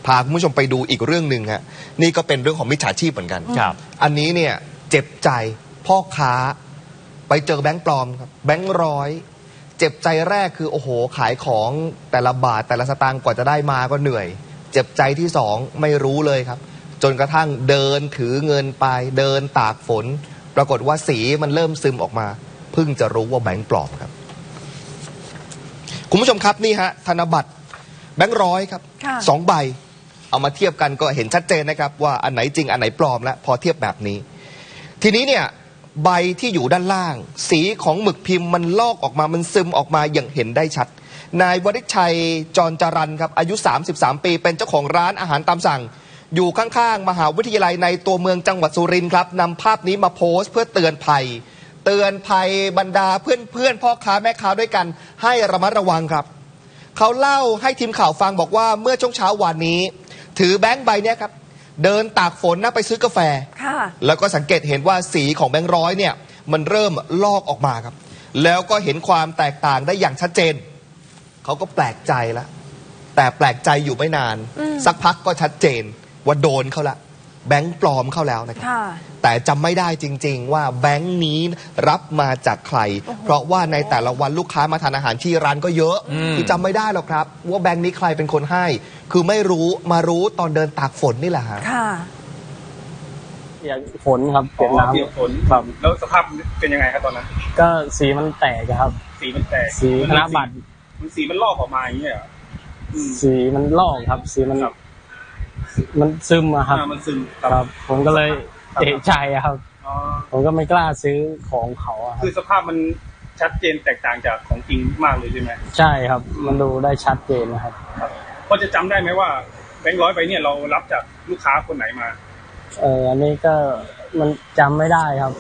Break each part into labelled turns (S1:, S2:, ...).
S1: พาคุณผู้ชมไปดูอีกเรื่องหนึ่งฮะนี่ก็เป็นเรื่องของมิจฉาชีพเหมือนกันอันนี้เนี่ยเจ็บใจพ่อค้าไปเจอแบงค์ปลอมครับแบงค์ร้อยเจ็บใจแรกคือโอ้โหขายของแต่ละบาทแต่ละสตางค์กว่าจะได้มาก็เหนื่อยเจ็บใจที่สองไม่รู้เลยครับจนกระทั่งเดินถือเงินไปเดินตากฝนปรากฏว่าสีมันเริ่มซึมออกมาเพิ่งจะรู้ว่าแบงค์ปลอมครับคุณผู้ชมครับนี่ฮะธนบัตรแบงค์ร้อยครับ2 ใบเอามาเทียบกันก็เห็นชัดเจนนะครับว่าอันไหนจริงอันไหนปลอมแล้วพอเทียบแบบนี้ทีนี้เนี่ยใบที่อยู่ด้านล่างสีของหมึกพิมพ์มันลอกออกมามันซึมออกมาอย่างเห็นได้ชัดนายวริชัยจรจรันครับอายุ33 ปีเป็นเจ้าของร้านอาหารตามสั่งอยู่ข้างๆมหาวิทยาลัยในตัวเมืองจังหวัดสุรินทร์ครับนำภาพนี้มาโพสต์เพื่อเตือนภัยบรรดาเพื่อนพ่อค้าแม่ค้าด้วยกันให้ระมัดระวังครับเขาเล่าให้ทีมข่าวฟังบอกว่าเมื่อช่วงเช้าวันนี้ถือแบงค์ใบนี้ครับเดินตากฝนไปซื้อกาแฟแล้วก็สังเกตเห็นว่าสีของแบงค์ร้อยเนี่ยมันเริ่มลอกออกมาครับแล้วก็เห็นความแตกต่างได้อย่างชัดเจนเขาก็แปลกใจแล้วแต่แปลกใจอยู่ไม่นานสักพักก็ชัดเจนว่าโดนเขาละแบงค์ปลอมเข้าแล้วนะครับแต่จำไม่ได้จริงๆว่าแบงค์นี้รับมาจากใครเพราะว่าในแต่ละวันลูกค้ามาทานอาหารที่ร้านก็เยอะคือจำไม่ได้หรอกครับว่าแบงค์นี้ใครเป็นคนให้คือไม่รู้มารู้ตอนเดินตากฝนนี่แหละฮะ
S2: เปียกฝนครับเปียกน้ำ
S3: เปียกฝนครับแล้วสภาพเป็นยังไงครับตอนนั้น
S2: ก็สีมันแตกครับ
S3: สีมันแตก
S2: สีธนบัตร
S3: สีมันลอกออกมาอย่างเงี้ย
S2: สีมันลอกครับสีมันซึมครับ
S3: มันซึม
S2: ครับผมก็เลยเอะใจครับผมก็ไม่กล้าซื้อของเขา
S3: คือสภาพมันชัดเจนแตกต่างจากของจริงมากเลยใช่ไหม
S2: ใช่ครับมันดูได้ชัดเจนนะครับ
S3: พอจะจำได้ไหมว่าแบงค์ร้อยใบเนี่ยเรารับจากลูกค้าคนไหนมา
S2: อันนี้ก็มันจำไม่ได้ครับ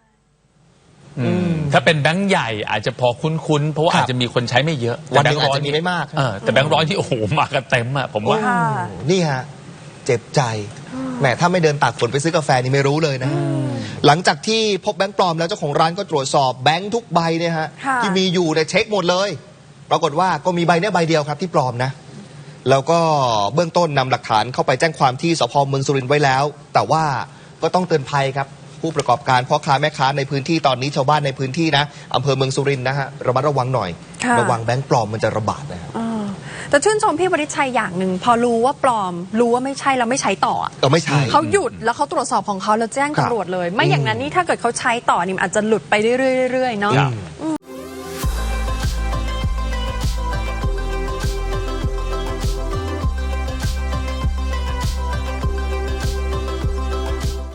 S4: ถ้าเป็นแบงค์ใหญ่อาจจะพอคุ้นๆเพราะว่าอาจจะมีคนใช้ไม่เยอะ
S1: วันนึงอาจจะมีไม่มาก
S4: แต่แบงค์ร้อยที่โอ้โหมากันเต็มอะผมว่า
S1: นี่ฮะเจ็บใจแหมถ้าไม่เดินตากฝนไปซื้อกาแฟนี่ไม่รู้เลยนะหลังจากที่พบแบงค์ปลอมแล้วเจ้าของร้านก็ตรวจสอบแบงค์ทุกใบเนี่ยฮะที่มีอยู่เนี่ยเช็คหมดเลยปรากฏว่าก็มีใบนี้ใบเดียวครับที่ปลอมนะแล้วก็เบื้องต้นนำหลักฐานเข้าไปแจ้งความที่สพ.เมืองสุรินทร์ไว้แล้วแต่ว่าก็ต้องเตือนภัยครับผู้ประกอบการพ่อค้าแม่ค้าในพื้นที่ตอนนี้ชาวบ้านในพื้นที่นะอำเภอเมืองสุรินทร์นะฮะระมัดระวังหน่อยระวังแบงค์ปลอมมันจะระบาดนะครับ
S5: แต่ชื่นชมพี่วริชัยอย่างหนึ่งพอรู้ว่าปลอมรู้ว่าไม่ใช่แล้วไม่ใช้ต่อ
S1: ไม่ใช่
S5: เขาหยุดแล้วเขาตรวจสอบของเขาแล้วแจ้งตำรวจเลยไม่อย่างนั้นนี่ถ้าเกิดเขาใช้ต่อนี่อาจจะหลุดไปเรื่อยๆเนาะ